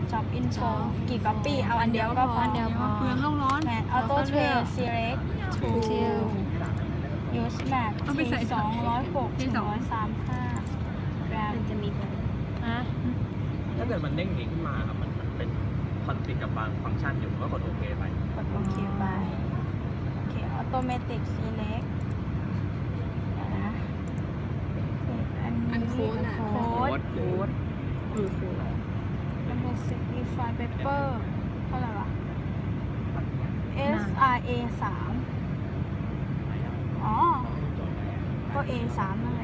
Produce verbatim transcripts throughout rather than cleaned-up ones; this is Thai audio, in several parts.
job info กี่ก๊อปปี้เอาอันเดียวก็พออันเดียวพอเปลืองโลกร้อนแมท auto trail select ทู use map เอาไปใส่สองร้อยหกที่ถึงสองร้อยสามห้า gram มันจะมีอ่ะถ้าเกิดมันเด้งเองขึ้นมาครับมันมันเป็นคอนฟ lict กับบางฟังก์ชันอยู่ก็กดโอเคไปกดโอเคไปโอเค automatic select เดี๋ยวนะอันนี้อันโค้ดอะโค้ดโค้ดคือคือมันเป็น simplify paper เท่าไหร่วะ S R A สามอ๋อ ก็ A สามนั่นแหละ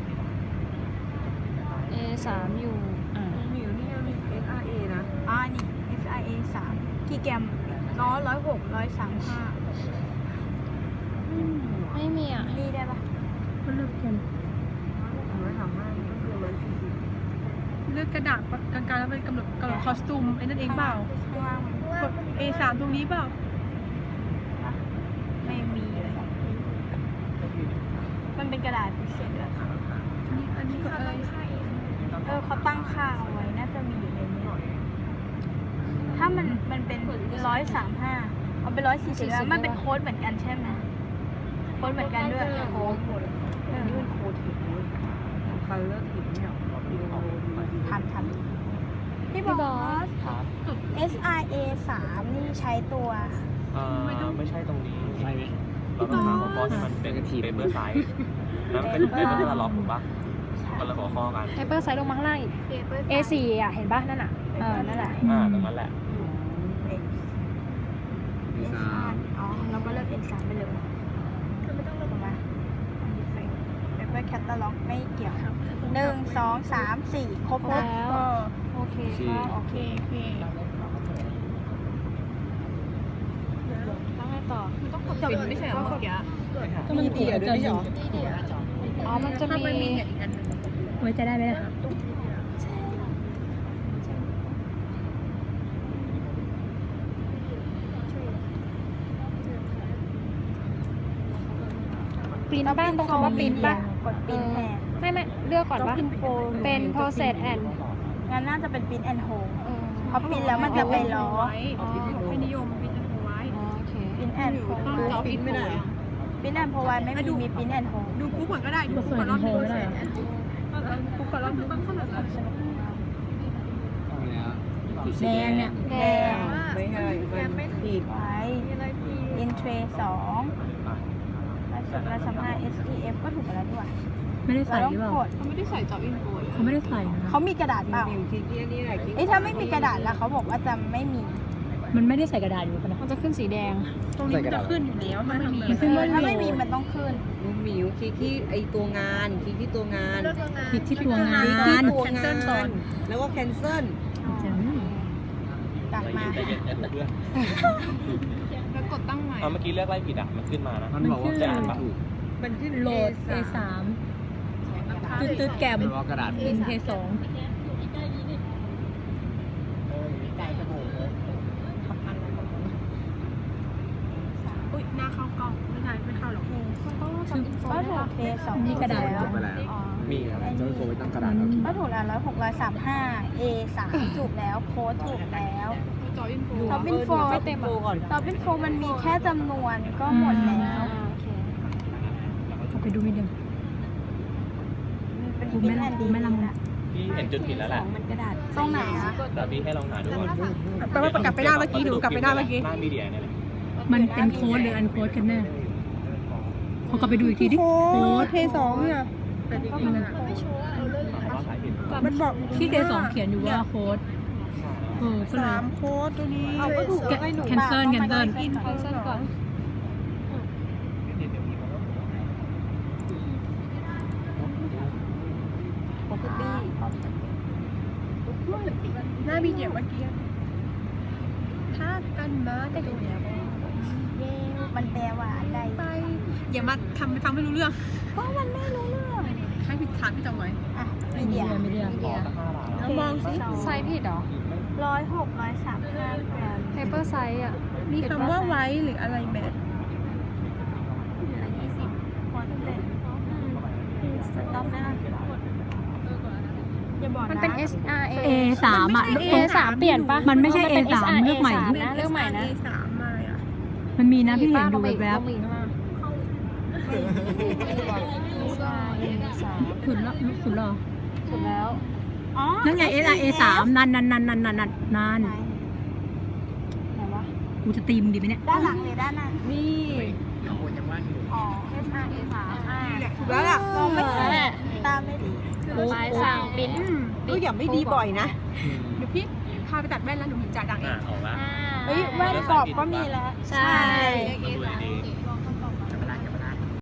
A สามอยู่อ่าหมิวนี่มี เอส อาร์ เอ นะอ่านี่ S R A สามกี่แกรมร้อยร้อยหกร้อยสามห้าไม่มีอ่ะนี่ได้ปะมันเลือกกันร้อยสามห้าก็คือร้อยสี่สิบเลือกกระดาษกลางๆแล้วเป็นกำหนดกำหนดคอสตูมไอ้นั่นเองเปล่าข้างล่างมันกด เอ สาม ตรงนี้เปล่าไม่มีเลย มันเป็นกระดาษพิเศษด้วยนี่อันนี้ก็อะไรเออเขาตั้งค่าเอาไว้ น่าจะมีอยู่ในนี้ ถ้ามันมันเป็นร้อยสามห้าเอาเป็นร้อยสี่สิบแล้วมันเป็นโค้ดเหมือนกันใช่ไหมโค้ดเหมือนกันด้วยโค้ดหมดเออนี่มันโค้ดถึงคัลเลอร์ถึงเนี่ยทันทันพี่บอสครับ S R A สามนี่ใช้ตัวเอ่อไม่ใช่ตรงนี้ใช่ไหมเราต้องหาหัวข้อที่มันเป็นเปเปอร์ไซส์แล้วมันเป็นเปเปอร์คาตาล็อกถูกปะคนละหัวข้อกันไฮเปอร์ไซส์ลงมาข้างล่างอีก เอ สี่ อ่ะ เห็นป่ะนั่นอ่ะเออ นั่นแหละอ่าตรงนั้นแหละ S สามอ๋อ เราก็เลือก S สามไปเลยคือไม่ต้องเลือกออกมาเปเปอร์แคตตาล็อกไม่เกี่ยวหนึ่งสองสามสี่ครบแล้วแล้ว โอเคก็โอเคโอเคแล้วไงต่อต้องกดปิดไม่ใช่เหรอเมื่อกี้ก็มันเดียวด้วยเหรออ๋อ มันจะถ้ามีมันมีเนี่ยอีกอันหนึ่งไว้จะได้ไหมล่ะปริ้นบ้านตรงคำว่าปริ้นป่ะกดปริ้นแทนไม่ไม่เลือกก่อนต้องว่าพิมพ์โฟนเป็น process and งั้นน่าจะเป็นปริ้นแอนโฮเออเพราะปริ้นแล้วมันจะไปล้อไม่นิยมปิดเอาไว้อ๋อโอเคปริ้นแอนโฮต้องเราปิดไม่ได้ปริ้นแอนโฮไว้ไม่มีมีปริ้นแอนโฮดูปุ๊บก่อนก็ได้ ดูปุ๊บก่อนรอบนึงปุ๊บก่อนรอบนึงแดงเนี่ยแดงไม่ใช่ไม่ผิดไว้อินเทรสองเราสามารถ S E F ก็ถูกแล้วด้วยไม่ได้เราใส่ต้อหงรือเปล่ากดเขาไม่ได้ใส่จ็อบอินโฟเขาไม่ได้ใส่นะเขามีกระดาษเปล่าคลิกที่นี่ไหนคลิกเอ้ยถ้าไม่มีกระดาษแล้วเขาบอกว่าจะไม่มีมันไม่ได้ใส่กระดาษอยู่ปะนะมันจะขึ้นสีแดงตรงนี้มันจะขึ้นอยู่แล้วถ้าไม่มีมันขึ้นว่าถ้าไม่มีมันต้องขึ้นลูกหมิวคลิกที่ไอตัวงานคลิกที่ตัวงานคลิกที่ตัวงาคลิกที่นตัวงานแล้วก็ cancel กลับมาใจเย็นใจเย็นเพื่อนแล้วกดตั้งใหม่เอาเมื่อกี้เลือกไล่ผิดอ่ะ มันขึ้นมานะมันบอกว่าจะอ่านปะมันขึ้นโหลด เอ สาม ตืดตืดแกมกระดาษอินเทสองอุ้ยหน้าเข้ากล้องไม่ใช่ไม่เข้าหรอกคือก็ถูกเทสองมีกระดาษแล้วไปแล้วอ๋อมีครับอันนี้ ก็ถูกแล้วร้อยหกร้อยสามห้า A สามถูกแล้วโค้ดถูกแล้วจ็อบอินโฟท็อปอินโฟไม่เต็มก่อนท็อปอินโฟมันมีแค่จำนวนก็หมดแล้วอ่าโอเคเอาไปดูไม่เดียวเป็นกูปิ้ไม่นแอนกูดีไม่ลำนะพี่เห็นจุดผิดแล้วแหละตรงไหนอะแต่พี่ให้ลองหาดูก่อนแปลว่ากลับไปหน้าเมื่อกี้ดูกลับไปหน้าเมื่อกี้หน้ามีเดียเนี่ยแหละมันเป็นโค้ดหรืออันโค้ดกันแน่ขอกลับไปดูอีกทีดิ โค้ดเทสองเนี่ยแต่จริงๆอะว่าสายผิดมันบอกที่เทสองเขียนอยู่ว่าโค้ดเออก็เลยสามโค้ดตัวนี้เอาก็ถูกแล้วให้หนู cancel บ้าง cancel อินไฟเส้นก่อนปกติหน้ามีเดียเมื่อกี้ถ้ากันมาได้ดูแล้วเย้มันแปลว่าอะไรไปอย่ามาทำไปฟังไม่รู้เรื่องก็มันไม่รู้เรื่องให้พี่ถามพี่จำไว้อ่ะมีเดียไม่เดียวมีเดียแล้วมองสิไซส์ผิดเหรอร้อยหกร้อยสามห้าแกรมไฮเปอร์ไซส์อ่ะมีคำว่าไว้หรืออะไรแบบยี่สิบควอนเต็มสต็อปนะอย่าบอกนะมันเป็น S R A A สามอ่ะ A สามเปลี่ยนปะมันไม่ใช่เป็น A สาม S R A เลือกใหม่สามนะเลือกใหม่นะเอสามมาอ่ะมันมีนะพี่เห็นดูป้าแวบต้องมีข้างล่างๆสุดแล้วสุดแล้วสุดแล้วอ๋อนั่นไง S R A สามนั่นนั่นนั่นนั่นนั่นนั่นนั่นไหนวะกูจะตีมึงดีไหมเนี่ยด้านหลังหรือด้านหน้านี่อ๋อ S R A สามอ่าถูกแล้วล่ะมองไม่เห็นตาไม่ดีลายสั่งปิ้นก็อย่าไม่ดีบ่อยนะเดี๋ยวพี่พาไปตัดแว่นแล้วหนูจ่ายตังค์เออ่าง ออกละเฮ้ยแว่นกรอบก็มีแล้วใช่มาดูดี